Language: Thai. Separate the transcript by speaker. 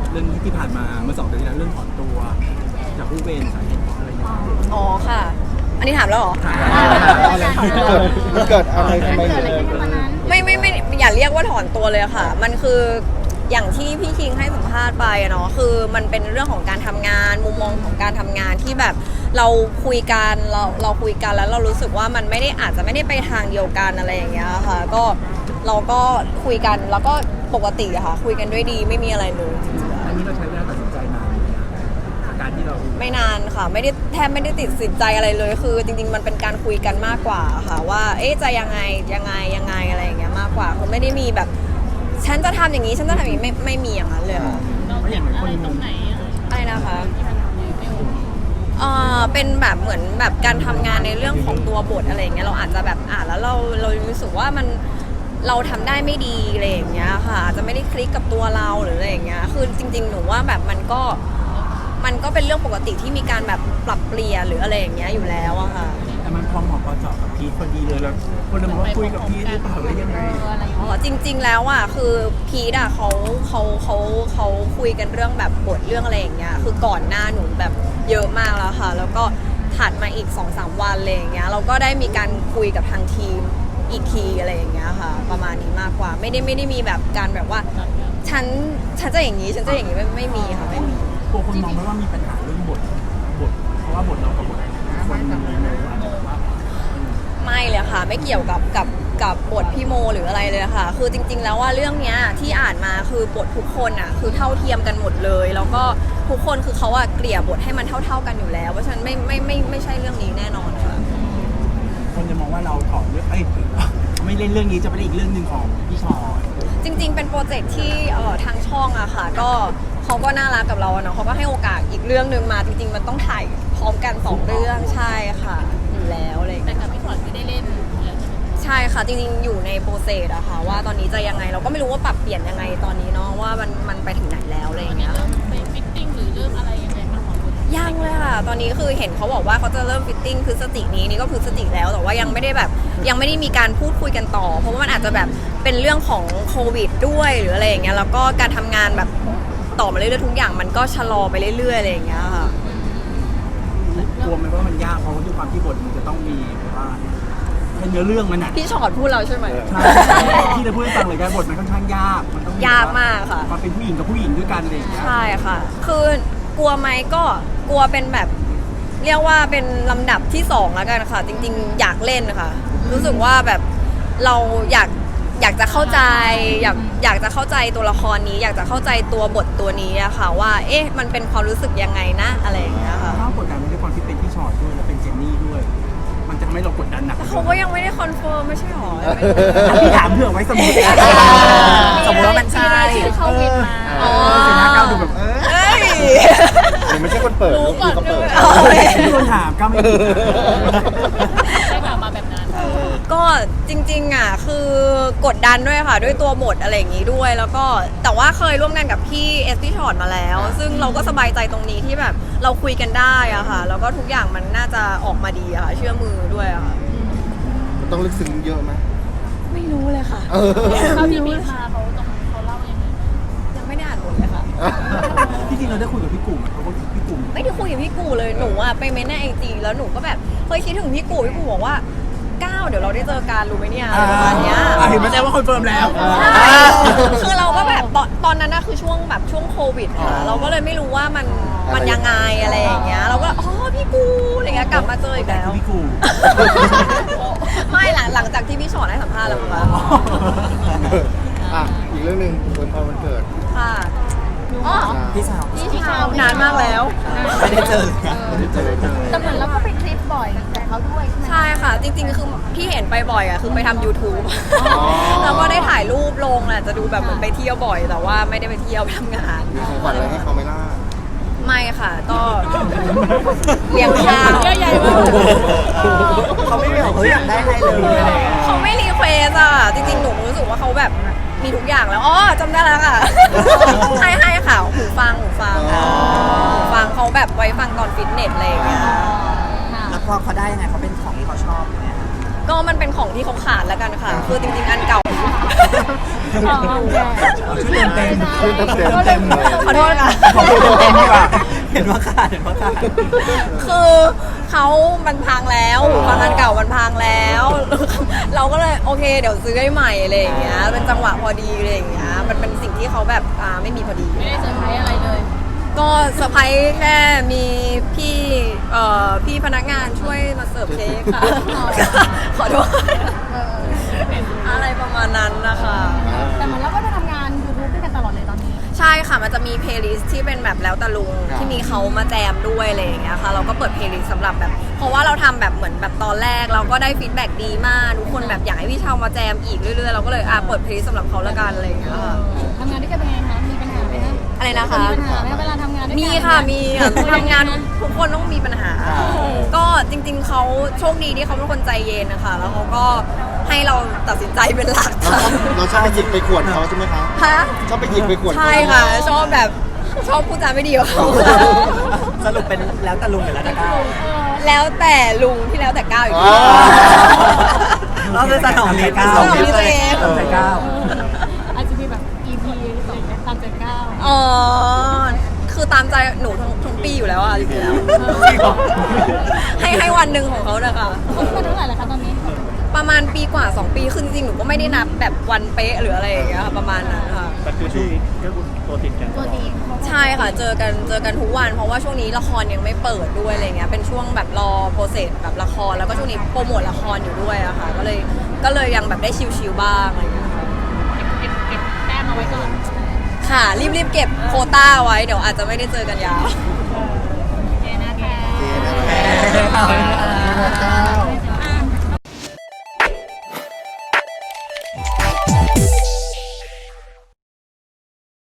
Speaker 1: เรื่องที่ผ่านมาเมื่อ2 เดือนที่แล้วเรื่องถอนตัวจากผู้เป็นสาเหตุเพราะอะไรเนี่ย
Speaker 2: อ๋อค่ะ อันนี้ถามแล้วเหรอ
Speaker 3: มันเกิดอะไรทำไม
Speaker 2: ไม่อย่าเรียกว่าถอนตัวเลยค่ะ มันคืออย่างที่พี่คิงให้สัมภาษณ์ไปอะเนาะคือมันเป็นเรื่องของการทำงานมุมมองของการทำงานที่แบบเราคุยกันเราคุยกันแล้วเรารู้สึกว่ามันไม่ได้อาจจะไม่ได้ไปทางเดียวกันอะไรอย่างเงี้ยค่ะก็เราก็คุยกันแล้วก็ปกติอะค่ะคุยกันด้วยดีไม่มีอะไรเลยจริงๆ
Speaker 1: อันนี้เราใช้เวลาตัดสินใจนานไหมกับการที่เรา
Speaker 2: ไม่นานค่ะแทบไม่ได้ติดสินใจอะไรเลยคือจริงๆมันเป็นการคุยกันมากกว่าค่ะว่าเอ๊ะจะยังไงอะไรอย่างเงี้ยมากกว่าคือไม่ได้มีแบบฉันจะทำอย่างนี้ฉันจะทำอย่างนี้ไม่มีอย่างนั้นเลยค่ะ
Speaker 1: เพราะอย่างไรคนตรงไหน
Speaker 2: อะไรนะคะเป็นแบบเหมือนแบบการทำงานในเรื่องของตัวบทอะไรอย่างเงี้ยเราอาจจะแบบอ่านแล้วเรารู้สึกว่ามันเราทำได้ไม่ดีอะไรอย่างเงี้ยค่ะอาจจะไม่ได้คลิกกับตัวเราหรืออะไรอย่างเงี้ยคือจริงๆหนูว่าแบบมันก็เป็นเรื่องปกติที่มีการแบบปรับเปลี่ยนหรืออะไรอย่างเงี้ยอยู่แล้วอะค่ะ
Speaker 1: แต่มันพอเหมาะพอเจาะกับพีทพอดีเลยแล้วคนเลยมองว่าคุยกับพีทหรือเปล่าหรือยังไง
Speaker 2: อ๋อจริงๆแล้วอ่ะคือพีทอ่ะเขาคุยกันเรื่องแบบบทเรื่องอะไรอย่างเงี้ยคือก่อนหน้าหนูแบบเยอะมากแล้วค่ะแล้วก็ถัดมาอีก 2-3 วันอะไรอย่างเงี้ยเราก็ได้มีการคุยกับทางทีมอีกทีอะไรอย่างเงี้ยค่ะประมาณนี้มากกว่าไม่ได้มีแบบการแบบว่าฉันจะอย่างนี้ฉันจะอย่างนี้ไม่มีค่ะไม่มี
Speaker 1: กลัวคนมองไหมว่ามีปัญหาเรื่องบทเพราะว่าบทเรากับบทคนมองว่า
Speaker 2: ไม่เลยค่ะไม่เกี่ยวกับบทพี่โมหรืออะไรเลยค่ะคือจริงๆแล้วว่าเรื่องเนี้ยที่อ่านมาคือบททุกคนอ่ะคือเท่าเทียมกันหมดเลยแล้วก็ทุกคนคือเขาอะเกลี่ยบทให้มันเท่ากันอยู่แล้วเพราะฉะนั้นไม่ใช่เรื่องนี้แน่นอนค่ะ
Speaker 1: คนจะมองว่าเราถอดเรื่องไม่เล่นเรื่องนี้จะไปเล่นอีกเรื่องหนึ่งของพี่ชอต
Speaker 2: จริงๆเป็นโปรเจกต์ที่ทางช่องอะค่ะก็เขาก็น่ารักกับเราอะเนาะเขาก็ให้โอกาสอีกเรื่องหนึ่งมาจริงๆมันต้องถ่ายพร้อมกัน2 เรื่องใช่ค่ะอยู่แล้วอะไรอย่าง
Speaker 4: แต่
Speaker 2: เงี้ย
Speaker 4: กับพี่ถอนไม่ได้เล่น
Speaker 2: ใช่ค่ะจริงๆอยู่ในโปรเซสอะค่ะว่าตอนนี้จะยังไงเราก็ไม่รู้ว่าปรับเปลี่ยนยังไงตอนนี้เนาะว่ามันไปถึงไหนแล้วอะไรอย่างเงี้ย
Speaker 4: เริ่มไปฟิตติ้งหรือเริ่มอะไรยังไงคะของคุณ
Speaker 2: ยังเลยค่ะตอนนี้คือเห็นเขาบอกว่าเขาจะเริ่มฟิตติ้งพฤศจิกนี้นี่ก็พฤศจิกแล้วแต่ว่ายังไม่ได้มีการพูดคุยกันต่อ เพราะว่ามันอาจจะแบบเป็นเรื่องของโควิดด้วยหรืออะไรอย่างเงี้ยแล้วก็การทำงานแบบต่อมาเรื่อยๆทุกอย่างมันก็ชะลอไปเรื่อยๆอะไรอย่างเงี้ยค่ะ
Speaker 1: กลัวไหมว่ามันยากเพราะว่าด้วยความที่บทมันจะต้องมีแบบว่าเป็นเนื้อเรื่องมันหนัก
Speaker 2: พี่ชอดพูดเราใช่ไหม
Speaker 1: ที่จะพูดให้ฟังเลยกันบทมันค่อนข้างยากมันต้อง
Speaker 2: ยากมากค่ะ
Speaker 1: ความเป็นผู้หญิงกับผู้หญิงด้วยกันอะไรอย่างเงี้ย
Speaker 2: ใช่ค่ะ คือกลัวไหมก็กลัวเป็นแบบเรียกว่าเป็นลำดับที่2แล้วกันค่ะ จริงๆอยากเล่นค่ะ รู้สึกว่าแบบเราอยากจะเข้าใจอยากจะเข้าใจตัวละครนี้ อยากจะเข้าใจตัวบทตัวนี้อะค่ะว่าเอ๊ะมันเป็นความรู้สึกยังไงนะอะไรอย่างเงี้ยค่ะ
Speaker 1: ถ้ากดดันมันด้วยความที่เป็นพี่ชอตด้วยและเป็นเจนนี่ด้วย มันจะทำให้เรากดดันหนัก
Speaker 2: แต่เขาก็ยังไม่ได้คอนเฟิร์มไม่ใช่หรอ
Speaker 1: พี่ถามเผื่อไว้สมมติ
Speaker 2: สมมติว่ามันใช่
Speaker 4: ที่เข้าวินมา
Speaker 2: อ๋อ
Speaker 1: เสียหน้าก้าวดูแบบ
Speaker 2: เอ้ย
Speaker 3: หรือไม่ใช่คนเปิด
Speaker 4: รู้ก่อน
Speaker 3: เขาเปิด
Speaker 4: ด้วย
Speaker 1: พี่โดนถามก้าวไม่ผิดนะ
Speaker 4: ได้ข่าวมาแบบนั้น
Speaker 2: ก็จริงๆอ่ะคือกดดันด้วยค่ะด้วยตัวบทอะไรอย่างนี้ด้วยแล้วก็แต่ว่าเคยร่วมงานกับพี่เอสพี่ชอตมาแล้ว ซึ่งเราก็สบายใจตรงนี้ที่แบบเราคุยกันได้อะค่ะ แล้วก็ทุกอย่างมันน่าจะออกมาดีอะค่ะเชื่อมือด้วยอะค่ะ
Speaker 3: มันต้องลึกซึ้งเยอะไหม
Speaker 2: ไม่รู้เลยค่ะ
Speaker 4: เท่าที่มีมาเขาเล่ายังไง
Speaker 2: ยังไม่ได้อ่านบทเลยค่ะ
Speaker 1: ที่จริงเราได้คุยกับพี่กลุ่มเขาก็พี่กลุ่ม
Speaker 2: ไม่ได้คุยกับพี่กูเลยหนูอะไปเม้นในไอจีแล้วหนูก็แบบเคยคิดถึงพี่กูบอกว่าก้าวเดี๋ยวเราได้เจอกันรู้ไหมเนี่ยอะไรประมาณเนี้ย
Speaker 1: เห็นไหมแจ้งว่าคอนเฟิร์มแล้ว
Speaker 2: ใช่คือเราก็แบบตอนนั้นนะคือช่วงแบบช่วงโควิดค่ะเราก็เลยไม่รู้ว่ามันยังไงอะไรอย่างเงี้ยเราก็อ๋อพี่กูอะไรเงี้ยกลับมาเจออีกแล้ว
Speaker 1: พี่กลุ่ม
Speaker 2: ไม่หลังจากที่พี่ชอตให้สัมภาษณ์แล้วค่ะ
Speaker 3: อ่ะอีกเรื่องหนึ่งวันพอวันเกิด
Speaker 2: ค่ะอ๋อ
Speaker 1: พี่สาว
Speaker 2: พี่ชาวนานมากแล้ว
Speaker 1: ไม่ได้เจอ
Speaker 3: ไม่ได้เจอ
Speaker 4: แต่เหมือนเราก็ไปทริปบ่อยแต่เขาด้วยใช่ไหม
Speaker 2: ใช่ค่ะ จริงๆคือที่เห็นไปบ่อยอ่ะคือไปทำ YouTube แล้วก็ได้ถ่ายรูปลงแหละจะดูแบบเหมือนไปเที่ยวบ่อย แต่ว่าไม่ได้ไปเที่ยวไปทำงาน
Speaker 3: มีของขวัญอะไรให้เขาไหมล่ะ
Speaker 2: ไม่ค่ะก็เลี้ยงข้าว
Speaker 4: เยอะใหญ่มาก
Speaker 1: เขาไม่ได้บอกเขาอยากได้ให้เลยอะไรอย่างเงี้ย
Speaker 2: เขาไม่รีเควสอ่ะจริงๆหนูรู้สึกว่าเขาแบบมีทุกอย่างแล้วอ๋อจำได้แล้วค่ะ ให้ค่ะหูฟังเขาแบบไว้ฟังตอนฟิตเนสอะไรอย่างเงี้ย
Speaker 5: แล้วพอเขาได้ยังไงเขาเป็นของที่เขาชอบยังไง
Speaker 2: ก็มันเป็นของที่เขาขาดแล้วกันค่ะ คือจริงๆอันเก่า
Speaker 4: อ๋อแย่
Speaker 1: ชื่อเต็ม
Speaker 3: ชื่อเต็มเลย
Speaker 2: ขอโทษค่ะ
Speaker 1: ของเต็มดีกว่าเห็นว่าขาด
Speaker 2: คือเขามันพังแล้วฟังอันเก่ามันพังแล้ว เราก็เลยโอเคเดี๋ยวซื้อให้ใหม่อะไรอย่างเงี้ยเป็นจังหวะพอดีอะไรอย่างเงี้ยมันเป็นสิ่งที่เขาแบบไม่มีพอดี
Speaker 4: ไม่ได้เซอร์ไพรส์อะไรเลย
Speaker 2: ก็เซอร์ไพรส์แค่มีพี่พนักงานช่วยมาเสิร์ฟเค้กค่ะ ขอโทษอะไรประมาณนั้นนะคะ
Speaker 4: แต่เหมือนเราก็จะทำงาน YouTube ด้วยกันตลอดเลยตอนนี้
Speaker 2: ใช่ค่ะมันจะมีเพลย์ลิสต์ที่เป็นแบบแล้วแต่ลุงที่มีเขามาแจมด้วยอะไรอย่างเงี้ยค่ะเราก็เปิดเพลย์ลิสต์สำหรับแบบเพราะว่าเราทำแบบเหมือนแบบตอนแรกเราก็ได้ฟีดแบ็กดีมากทุกคนแบบอยากให้พี่เชามาแจมอีกเรื่อยๆเราก็เลยเปิดเพลย์ลิสต์สำหรับเขาละกันอะไรอย่างเงี้ยค่ะ
Speaker 4: ทำงานด้วยกันเป็นไงคะ มีปัญหาไหมคะ
Speaker 2: อะไรนะคะ
Speaker 4: มีปัญหาไหมเวลาทำงานด้วยกัน
Speaker 2: มีค่ะมีทำงานทุกคนต้องมีปัญหา ก็จริงๆเขาโชคดีที่เขาเป็นคนใจเย็นนะคะแล้วเขาก็ให้เราตัดสินใจเป็นหลักค่ะ
Speaker 3: เราชอบไปหยิกไปขวดเขาใช่ไหมคะ
Speaker 2: ฮะ
Speaker 3: ชอบไปหยิกไปขวดเขา
Speaker 2: ใช่ค่ะชอบแบบชอบพูดจาไม่ดีกับเขา
Speaker 1: สรุปเป็นแล้วแต่ลุงหรือแล้วแต่ก้าว
Speaker 2: แล้วแต่ลุงที่แล้วแต่ก้าวอีก
Speaker 3: อ๋อ
Speaker 1: เราเป็นสนองเมียก้าว
Speaker 2: สนองเมียตัวเอง
Speaker 1: ใจก้าว
Speaker 4: อาจจะมีแบบ EP สองตามใจก้าว
Speaker 2: อ๋อคือตามใจหนูทั้งปีอยู่แล้วอ่ะจริงๆแล้วให้วันหนึ่งของเขาเถอะค่ะ
Speaker 4: เขาเป็นเท่าไหร่แล้วคะตอนนี้
Speaker 2: ประมาณปีกว่า2 ปีคือจริงๆหนูก็ไม่ได้นับแบบวันเป๊ะหรืออะไรอย่างเงี้ยค่ะประมาณนั้นค่ะ
Speaker 1: แต่คือช่วงนี้ก็ตัวติดกัน
Speaker 4: ตัวดี
Speaker 2: ใช่ค่ะเจอกันทุกวัน เพราะว่าช่วงนี้ละครยังไม่เปิดด้วยอะไรเงี้ยเป็นช่วงแบบรอโปรเซสแบบละครแล้วก็ช่วงนี้โปรโมทละครอยู่ด้วยอะค่ะก็เลยยังแบบได้ชิลๆบ้างอะไรเงี้ยค่ะ
Speaker 4: เก็บแต้มเอาไว้ก่อน
Speaker 2: ค่ะรีบเก็บโควต้าไว้เดี๋ยวอาจจะไม่ได้เจอกันยาว
Speaker 4: โอเคนะคะ
Speaker 3: โอเคนะคะ